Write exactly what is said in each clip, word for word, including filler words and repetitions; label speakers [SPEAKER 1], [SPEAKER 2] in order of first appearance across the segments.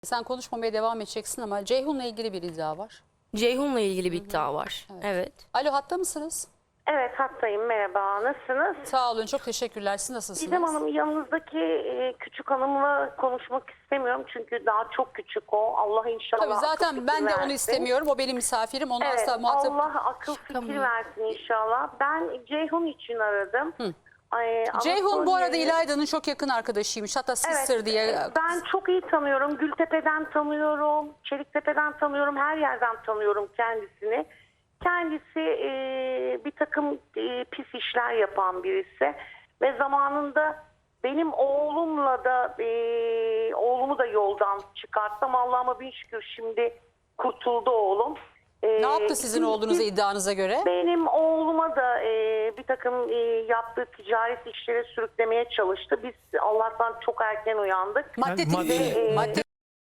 [SPEAKER 1] Sen konuşmamaya devam edeceksin ama Ceyhun'la ilgili bir iddia var.
[SPEAKER 2] Ceyhun'la ilgili bir iddia var.
[SPEAKER 1] Evet.
[SPEAKER 2] Evet.
[SPEAKER 1] Alo, hatta mısınız?
[SPEAKER 3] Evet, hattayım. Merhaba. Nasılsınız?
[SPEAKER 1] Sağ olun, çok teşekkürler. Siz nasılsınız?
[SPEAKER 3] Didem Hanım, yanınızdaki e, küçük hanımla konuşmak istemiyorum. Çünkü daha çok küçük o. Allah inşallah
[SPEAKER 1] Tabii
[SPEAKER 3] akıl
[SPEAKER 1] zaten
[SPEAKER 3] fikir
[SPEAKER 1] ben de
[SPEAKER 3] versin.
[SPEAKER 1] onu istemiyorum. O benim misafirim. Onu
[SPEAKER 3] Evet,
[SPEAKER 1] asla muhatap...
[SPEAKER 3] Allah akıl fikir versin inşallah. Ben Ceyhun için aradım.
[SPEAKER 1] Hı.
[SPEAKER 3] Ay,
[SPEAKER 1] Ceyhun bu arada
[SPEAKER 3] Anatolia'yı-
[SPEAKER 1] İlayda'nın çok yakın arkadaşıymış. Hatta sister
[SPEAKER 3] Evet,
[SPEAKER 1] diye.
[SPEAKER 3] ben çok iyi tanıyorum. Gültepe'den tanıyorum. Çeliktepe'den tanıyorum. Her yerden tanıyorum kendisini. Kendisi e, bir takım e, pis işler yapan birisi. Ve zamanında benim oğlumla da e, oğlumu da yoldan çıkarttım. Allah'ıma bin şükür şimdi kurtuldu oğlum. E,
[SPEAKER 1] Ne yaptı sizin
[SPEAKER 3] biz-
[SPEAKER 1] oğlunuza iddianıza göre?
[SPEAKER 3] Benim oğluma da e, bir takım e, yaptığı ticaret işlere sürüklemeye çalıştı. Biz Allah'tan çok erken uyandık.
[SPEAKER 1] Madde
[SPEAKER 4] Yani madde-
[SPEAKER 1] tipi. Madde...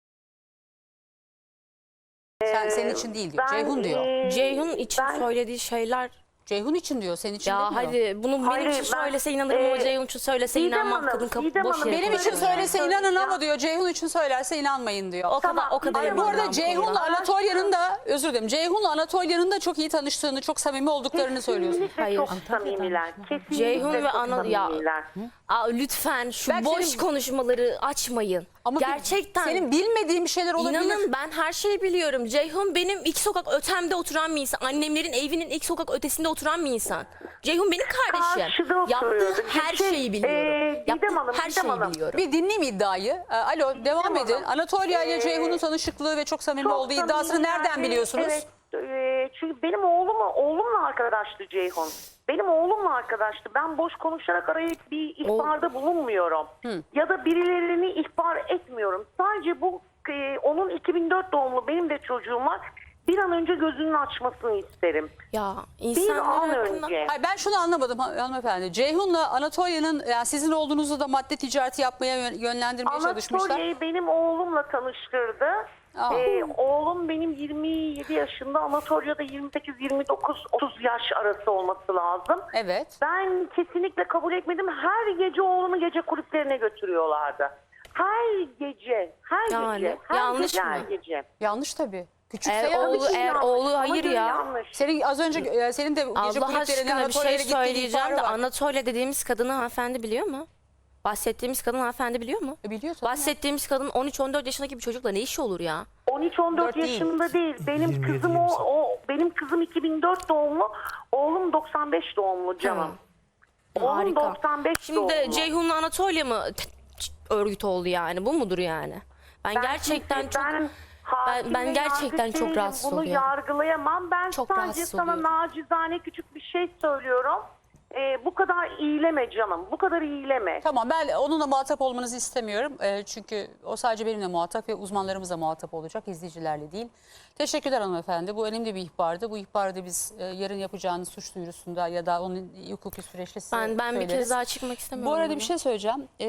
[SPEAKER 1] Sen, senin için değil diyor.
[SPEAKER 3] Ben,
[SPEAKER 1] Ceyhun diyor.
[SPEAKER 3] e,
[SPEAKER 2] Ceyhun için
[SPEAKER 3] ben-
[SPEAKER 2] söylediği şeyler...
[SPEAKER 1] Ceyhun için diyor. Senin için
[SPEAKER 2] Ya
[SPEAKER 1] demiyor.
[SPEAKER 2] hadi bunu
[SPEAKER 3] Hayır,
[SPEAKER 2] benim için
[SPEAKER 3] ben-
[SPEAKER 2] söylese inanırım ama
[SPEAKER 3] e,
[SPEAKER 2] Ceyhun için söylese
[SPEAKER 3] Didem
[SPEAKER 2] inanmam.
[SPEAKER 3] Hanım,
[SPEAKER 2] Kadın kapı
[SPEAKER 3] Didem
[SPEAKER 2] boş
[SPEAKER 3] Hanım,
[SPEAKER 2] yere
[SPEAKER 1] Benim için
[SPEAKER 2] konuşuyor
[SPEAKER 1] söylese
[SPEAKER 3] yani.
[SPEAKER 1] inanın ama diyor. Ceyhun için söylerse inanmayın diyor.
[SPEAKER 2] O kadar
[SPEAKER 3] Tamam,
[SPEAKER 2] o kadar
[SPEAKER 3] hayır,
[SPEAKER 1] Hayır, bu
[SPEAKER 2] eminim
[SPEAKER 1] arada
[SPEAKER 2] ben
[SPEAKER 1] Ceyhun'la
[SPEAKER 2] konuda.
[SPEAKER 1] Anatolia'nın da özür dilerim. Ceyhun'la Anatolia'nın da çok iyi tanıştığını, çok samimi olduklarını söylüyorsun.
[SPEAKER 3] Kesinlikle
[SPEAKER 2] Hayır.
[SPEAKER 3] çok samimiler. Kesinlikle
[SPEAKER 2] Ceyhun ve
[SPEAKER 3] çok
[SPEAKER 2] Ana- ya-
[SPEAKER 3] samimiler.
[SPEAKER 2] Aa, lütfen şu
[SPEAKER 1] Belki
[SPEAKER 2] boş
[SPEAKER 1] senin-
[SPEAKER 2] konuşmaları açmayın.
[SPEAKER 1] Ama bir-
[SPEAKER 2] Gerçekten.
[SPEAKER 1] senin bilmediğin bir şeyler olabilir.
[SPEAKER 2] İnanın ben her şeyi biliyorum. Ceyhun benim iki sokak ötemde oturan bir insan. Annemlerin evinin ilk sokak ötesinde oturan bir insan. Ceyhun benim kardeşim.
[SPEAKER 3] Karşıda
[SPEAKER 2] Yaptığı
[SPEAKER 3] oturuyordu.
[SPEAKER 2] her
[SPEAKER 3] Şey,
[SPEAKER 2] şeyi biliyorum.
[SPEAKER 3] ee,
[SPEAKER 2] Yaptığı
[SPEAKER 3] Didem Hanım,
[SPEAKER 2] her
[SPEAKER 3] Didem
[SPEAKER 2] şeyi
[SPEAKER 3] Hanım.
[SPEAKER 2] biliyorum.
[SPEAKER 1] Bir dinleyeyim iddiayı. Ee, Alo, devam
[SPEAKER 3] Tamam.
[SPEAKER 1] edin. Anatolia ile
[SPEAKER 3] Ee,
[SPEAKER 1] Ceyhun'un tanışıklığı ve çok samimi
[SPEAKER 3] Çok
[SPEAKER 1] olduğu iddiasını
[SPEAKER 3] samimi
[SPEAKER 1] nereden
[SPEAKER 3] yani.
[SPEAKER 1] biliyorsunuz?
[SPEAKER 3] Evet, e, çünkü benim oğlum oğlumla arkadaştı Ceyhun. Benim oğlumla arkadaştı. Ben boş konuşarak arayıp bir ihbarda bulunmuyorum. Ya da birilerini ihbar etmiyorum. Sadece bu e, onun iki bin dört doğumlu benim de çocuğum var. Bir an önce gözünün açmasını isterim.
[SPEAKER 2] Ya
[SPEAKER 3] Bir
[SPEAKER 2] insanlar
[SPEAKER 3] an
[SPEAKER 2] hakkında...
[SPEAKER 3] önce.
[SPEAKER 1] Hayır, ben şunu anlamadım han- hanımefendi. Ceyhun'la Anatolia'nın yani sizin olduğunuzu da madde ticareti yapmaya yön- yönlendirmeye çalışmışlar.
[SPEAKER 3] Anatolia'yı benim oğlumla tanıştırdı.
[SPEAKER 1] Aa.
[SPEAKER 3] Ee, oğlum benim yirmi yedi yaşında, Anatolia'da yirmi sekiz yirmi dokuz otuz yaş arası olması lazım.
[SPEAKER 1] Evet.
[SPEAKER 3] Ben kesinlikle kabul etmedim. Her gece oğlumu gece kulüplerine götürüyorlardı. Her gece, her
[SPEAKER 2] Yani,
[SPEAKER 3] gece, her
[SPEAKER 2] yanlış
[SPEAKER 3] gece,
[SPEAKER 2] mı?
[SPEAKER 3] her gece.
[SPEAKER 1] Yanlış tabii. Küçükse
[SPEAKER 2] Eğer
[SPEAKER 1] yanlış.
[SPEAKER 2] oğlu, eğer
[SPEAKER 3] Yanlış.
[SPEAKER 2] oğlu
[SPEAKER 3] Bana
[SPEAKER 2] hayır
[SPEAKER 3] göre
[SPEAKER 2] ya.
[SPEAKER 3] yanlış.
[SPEAKER 1] Senin az önce e, senin de gece
[SPEAKER 2] Allah
[SPEAKER 1] kulüplerine
[SPEAKER 2] aşkına bir
[SPEAKER 1] Anatolia'ya
[SPEAKER 2] şey
[SPEAKER 1] gittiğin
[SPEAKER 2] söyleyeceğim
[SPEAKER 1] ihbarı
[SPEAKER 2] de
[SPEAKER 1] var.
[SPEAKER 2] Anatolia dediğimiz kadını hanımefendi biliyor mu? Bahsettiğimiz kadın hanımefendi biliyor mu?
[SPEAKER 1] E, biliyor tabii.
[SPEAKER 2] Bahsettiğimiz kadın on üç on dört yaşındaki bir çocukla ne işi olur ya?
[SPEAKER 3] on üç on dört
[SPEAKER 1] dört değil.
[SPEAKER 3] yaşında değil. Benim
[SPEAKER 4] yirmi yedi,
[SPEAKER 3] kızım o,
[SPEAKER 4] yirmi sekiz.
[SPEAKER 3] o benim kızım iki bin dört doğumlu, oğlum doksan beş doğumlu canım. Oğlum
[SPEAKER 2] Harika.
[SPEAKER 3] doksan beş
[SPEAKER 2] Şimdi
[SPEAKER 3] doğumlu.
[SPEAKER 2] Ceyhun'la Anatolia mı t- t- örgüt oldu yani? Bu mudur yani? Ben,
[SPEAKER 3] Ben
[SPEAKER 2] gerçekten
[SPEAKER 3] kimse-
[SPEAKER 2] çok
[SPEAKER 3] ben, hakim
[SPEAKER 2] ben
[SPEAKER 3] ve
[SPEAKER 2] gerçekten
[SPEAKER 3] yargıç
[SPEAKER 2] çok
[SPEAKER 3] değilim.
[SPEAKER 2] rahatsız
[SPEAKER 3] Bunu
[SPEAKER 2] oluyorum.
[SPEAKER 3] yargılayamam. Ben
[SPEAKER 2] Çok
[SPEAKER 3] sadece
[SPEAKER 2] rahatsız
[SPEAKER 3] sana
[SPEAKER 2] oluyorum.
[SPEAKER 3] nacizane küçük bir şey söylüyorum. Ee, bu kadar iyileme canım. Bu kadar iyileme.
[SPEAKER 1] Tamam, ben onunla muhatap olmanızı istemiyorum. E, çünkü o sadece benimle muhatap ve uzmanlarımızla muhatap olacak, izleyicilerle değil. Teşekkürler hanımefendi. Bu önemli bir ihbardı. Bu ihbarı da biz e, yarın yapacağınız suç duyurusunda ya da onun hukuki süreçte size
[SPEAKER 2] ben ben bir
[SPEAKER 1] söyleriz.
[SPEAKER 2] kez daha çıkmak istemiyorum.
[SPEAKER 1] Bu arada
[SPEAKER 2] burada.
[SPEAKER 1] bir şey söyleyeceğim. E,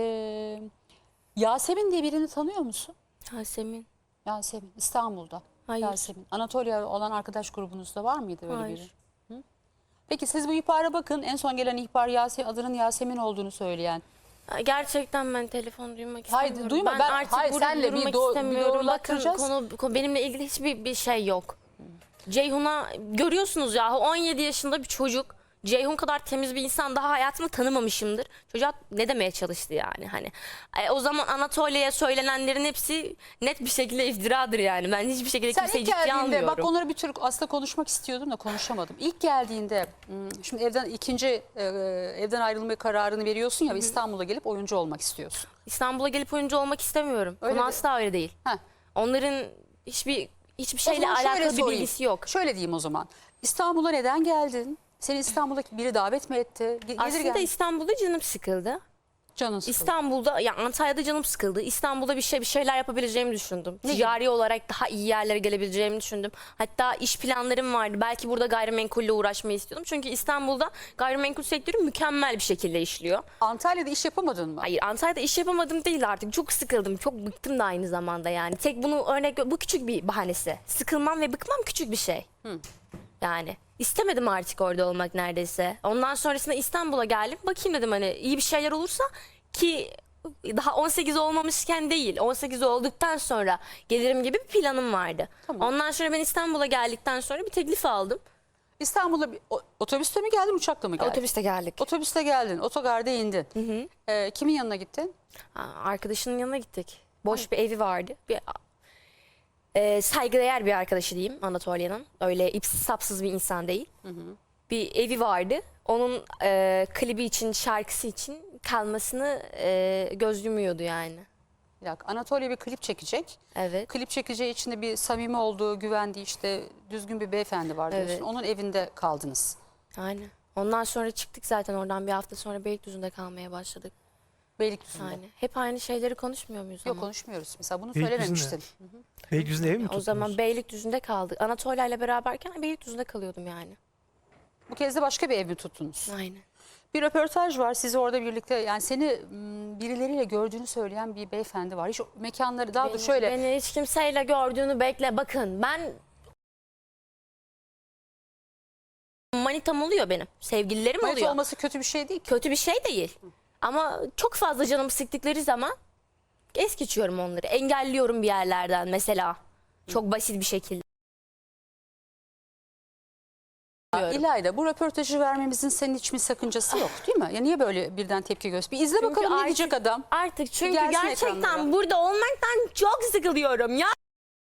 [SPEAKER 1] Yasemin diye birini tanıyor musun?
[SPEAKER 2] Yasemin.
[SPEAKER 1] Yasemin, İstanbul'da.
[SPEAKER 2] Hayır.
[SPEAKER 1] Yasemin. Anatolia olan arkadaş grubunuzda var mıydı böyle
[SPEAKER 2] Hayır.
[SPEAKER 1] biri? Hı? Peki siz bu ihbara bakın. En son gelen ihbar Yasemin, adının Yasemin olduğunu söyleyen.
[SPEAKER 2] Gerçekten ben telefon duymak
[SPEAKER 1] Hayır,
[SPEAKER 2] istemiyorum.
[SPEAKER 1] duyma.
[SPEAKER 2] Ben,
[SPEAKER 1] Ben-
[SPEAKER 2] artık
[SPEAKER 1] hayır,
[SPEAKER 2] burada
[SPEAKER 1] senle bir
[SPEAKER 2] durmak
[SPEAKER 1] do- bir
[SPEAKER 2] istemiyorum. Bakın
[SPEAKER 1] doğrulatacağız.
[SPEAKER 2] konu, konu- benimle ilgili hiçbir bir şey yok. Ceyhun'a görüyorsunuz ya on yedi yaşında bir çocuk. Ceyhun kadar temiz bir insan daha hayatımda tanımamışımdır. Çocuğa ne demeye çalıştı yani hani. E, o zaman Anatolia'ya söylenenlerin hepsi net bir şekilde iftiradır yani. Ben hiçbir şekilde
[SPEAKER 1] Sen
[SPEAKER 2] kimseyi
[SPEAKER 1] ilk
[SPEAKER 2] ciddiye
[SPEAKER 1] geldiğinde
[SPEAKER 2] almıyorum.
[SPEAKER 1] bak onları bir tür aslında konuşmak istiyordum da konuşamadım. İlk geldiğinde hmm, şimdi evden ikinci e, evden ayrılma kararını veriyorsun ya ve İstanbul'a gelip oyuncu olmak istiyorsun.
[SPEAKER 2] İstanbul'a gelip oyuncu olmak istemiyorum.
[SPEAKER 1] Öyle
[SPEAKER 2] Konu
[SPEAKER 1] de-
[SPEAKER 2] asla öyle değil.
[SPEAKER 1] Heh.
[SPEAKER 2] Onların hiçbir hiçbir
[SPEAKER 1] O
[SPEAKER 2] şeyle
[SPEAKER 1] zaman şöyle
[SPEAKER 2] alakalı bir
[SPEAKER 1] sorayım.
[SPEAKER 2] bilgisi yok.
[SPEAKER 1] Şöyle diyeyim o zaman. İstanbul'a neden geldin? Seni İstanbul'a biri davet mi etti? Ge- Gelir
[SPEAKER 2] Aslında
[SPEAKER 1] gel-
[SPEAKER 2] İstanbul'da canım sıkıldı.
[SPEAKER 1] canın sıkıldı.
[SPEAKER 2] İstanbul'da ya Antalya'da canım sıkıldı. İstanbul'da bir şey bir şeyler yapabileceğimi düşündüm.
[SPEAKER 1] Ne
[SPEAKER 2] Ticari olarak daha iyi yerlere gelebileceğimi düşündüm. Hatta iş planlarım vardı. Belki burada gayrimenkulle uğraşmayı istiyordum. Çünkü İstanbul'da gayrimenkul sektörü mükemmel bir şekilde işliyor.
[SPEAKER 1] Antalya'da iş yapamadın mı?
[SPEAKER 2] Hayır, Antalya'da iş yapamadım değil artık. Çok sıkıldım. Çok bıktım da aynı zamanda yani. Tek bunu örnek bu küçük bir bahanesi. Sıkılmam ve bıkmam küçük bir şey. Yani istemedim artık orada olmak neredeyse. Ondan sonrasında İstanbul'a geldim. Bakayım dedim hani iyi bir şeyler olursa ki daha on sekiz olmamışken değil, on sekiz olduktan sonra gelirim gibi bir planım vardı.
[SPEAKER 1] Tamam.
[SPEAKER 2] Ondan sonra ben İstanbul'a geldikten sonra bir teklif aldım.
[SPEAKER 1] İstanbul'a bir- o- otobüste mi geldin, uçakla mı geldin?
[SPEAKER 2] Otobüste geldik.
[SPEAKER 1] Otobüste geldin, otogarda indin. Ee, kimin yanına gittin?
[SPEAKER 2] Ha, arkadaşının yanına gittik. Boş bir evi vardı. Bir, e, saygıdeğer bir arkadaşı diyeyim Anatolia'nın. Öyle ipsiz sapsız bir insan değil. Bir evi vardı. Onun e, klibi için, şarkısı için kalmasını e, göz yumuyordu yani.
[SPEAKER 1] Bir dakika, Anatolia bir klip çekecek.
[SPEAKER 2] Evet.
[SPEAKER 1] Klip çekeceği içinde bir samimi olduğu, güvendiği, işte düzgün bir beyefendi var diyorsun.
[SPEAKER 2] Evet.
[SPEAKER 1] Onun evinde kaldınız.
[SPEAKER 2] Aynen. Ondan sonra çıktık zaten oradan, bir hafta sonra Beylikdüzü'nde kalmaya başladık.
[SPEAKER 1] Beylikdüzü'nde.
[SPEAKER 2] Yani hep aynı şeyleri konuşmuyor muyuz
[SPEAKER 1] Yok,
[SPEAKER 2] ama?
[SPEAKER 1] konuşmuyoruz. Mesela bunu
[SPEAKER 4] Beylikdüzü'nde.
[SPEAKER 1] söylememiştin.
[SPEAKER 4] Beylikdüzü'nde ev mi
[SPEAKER 2] O
[SPEAKER 4] tuttunuz?
[SPEAKER 2] zaman Beylikdüzü'nde kaldık. Anatolia ile beraberken Beylikdüzü'nde kalıyordum yani.
[SPEAKER 1] Bu kez de başka bir ev mi tuttunuz?
[SPEAKER 2] Aynen.
[SPEAKER 1] Bir röportaj var. Sizi orada birlikte, yani seni m, birileriyle gördüğünü söyleyen bir beyefendi var. Hiç o mekanları, daha
[SPEAKER 2] Beni,
[SPEAKER 1] da şöyle
[SPEAKER 2] beni hiç kimseyle gördüğünü bekle. Bakın ben manitam oluyor benim. Sevgililerim
[SPEAKER 1] manita
[SPEAKER 2] oluyor.
[SPEAKER 1] olması kötü bir şey değil ki.
[SPEAKER 2] Kötü bir şey değil. Ama çok fazla canımı sıktıkları zaman es geçiyorum onları. Engelliyorum bir yerlerden mesela. Çok basit bir şekilde.
[SPEAKER 1] İlayda, bu röportajı vermemizin senin hiç mi sakıncası yok değil mi? Ya niye böyle birden tepki göster? Bir izle
[SPEAKER 2] Çünkü
[SPEAKER 1] bakalım ne
[SPEAKER 2] artık-
[SPEAKER 1] diyecek adam.
[SPEAKER 2] Artık çünkü
[SPEAKER 1] gelsin
[SPEAKER 2] gerçekten
[SPEAKER 1] ekranlara.
[SPEAKER 2] burada olmaktan çok sıkılıyorum ya.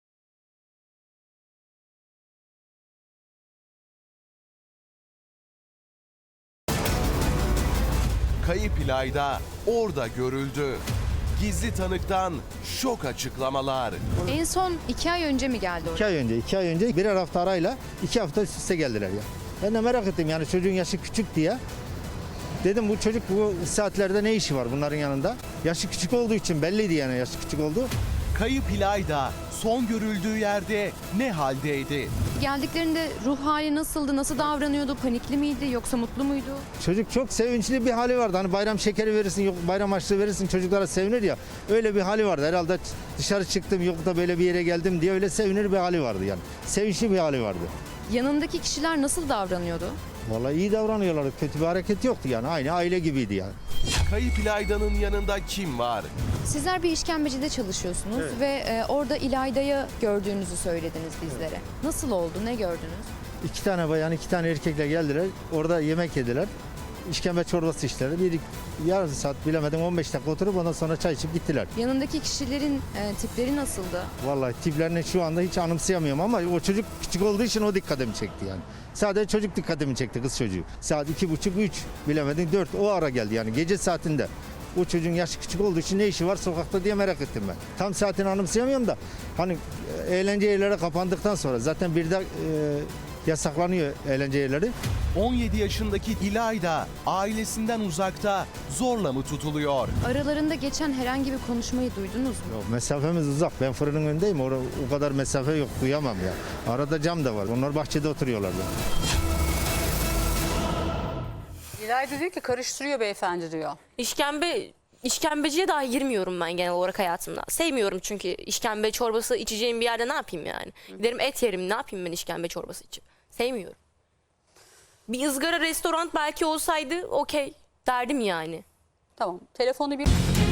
[SPEAKER 5] Kayıp İlayda orada görüldü. Gizli tanıktan şok açıklamalar.
[SPEAKER 6] En son iki ay önce mi geldi oraya?
[SPEAKER 7] İki ay önce, iki ay önce birer hafta arayla iki hafta üst üste geldiler ya. Ben de merak ettim yani çocuğun yaşı küçük diye. Dedim bu çocuk bu saatlerde ne işi var bunların yanında? Yaşı küçük olduğu için belliydi yani yaşı küçük olduğu.
[SPEAKER 5] Kayıp İlayda son görüldüğü yerde ne haldeydi?
[SPEAKER 6] Geldiklerinde ruh hali nasıldı? Nasıl davranıyordu? Panikli miydi yoksa mutlu muydu?
[SPEAKER 7] Çocuk çok sevinçli bir hali vardı. Hani bayram şekeri verirsin, yok bayram harçlığı verirsin çocuklara sevinir ya. Öyle bir hali vardı. Herhalde dışarı çıktım yok da böyle bir yere geldim diye öyle sevinir bir hali vardı yani. Sevinçli bir hali vardı.
[SPEAKER 6] Yanındaki kişiler nasıl davranıyordu?
[SPEAKER 7] Vallahi iyi davranıyorlardı. Kötü bir hareket yoktu yani. Aynı aile gibiydi yani.
[SPEAKER 5] Kayıp İlayda'nın yanında kim var?
[SPEAKER 6] Sizler bir işkembecide çalışıyorsunuz ve e, orada İlayda'yı gördüğünüzü söylediniz bizlere. Nasıl oldu? Ne gördünüz?
[SPEAKER 7] İki tane bayan, iki tane erkekle geldiler. Orada yemek yediler. İşkembe çorbası içtiler. Bir yarım saat bilemedim on beş dakika oturup ondan sonra çay içip gittiler.
[SPEAKER 6] Yanındaki kişilerin e, tipleri nasıldı?
[SPEAKER 7] Vallahi tiplerini şu anda hiç anımsayamıyorum ama o çocuk küçük olduğu için o dikkatimi çekti yani. Sadece çocuk dikkatimi çekti, kız çocuğu. Saat iki buçuk, üç bilemedim dört o ara geldi yani gece saatinde. O çocuğun yaşı küçük olduğu için ne işi var sokakta diye merak ettim ben. Tam saatini anımsayamıyorum da hani e, eğlence yerleri kapandıktan sonra zaten bir de e, yasaklanıyor eğlence yerleri.
[SPEAKER 5] on yedi yaşındaki İlayda ailesinden uzakta zorla mı tutuluyor?
[SPEAKER 6] Aralarında geçen herhangi bir konuşmayı duydunuz mu?
[SPEAKER 7] Yok, mesafemiz uzak. Ben fırının önündeyim. Orada o kadar mesafe yok. Duyamam ya. Arada cam da var. Onlar bahçede oturuyorlar.
[SPEAKER 1] İlayda diyor ki karıştırıyor beyefendi diyor.
[SPEAKER 2] İşkembe işkembeciye dahi girmiyorum ben genel olarak hayatımda. Sevmiyorum çünkü işkembe çorbası içeceğim bir yerde ne yapayım yani? Giderim et yerim, ne yapayım ben işkembe çorbası içip? Sevmiyorum. Bir ızgara restoran belki olsaydı okey derdim yani.
[SPEAKER 1] Tamam, telefonu bir...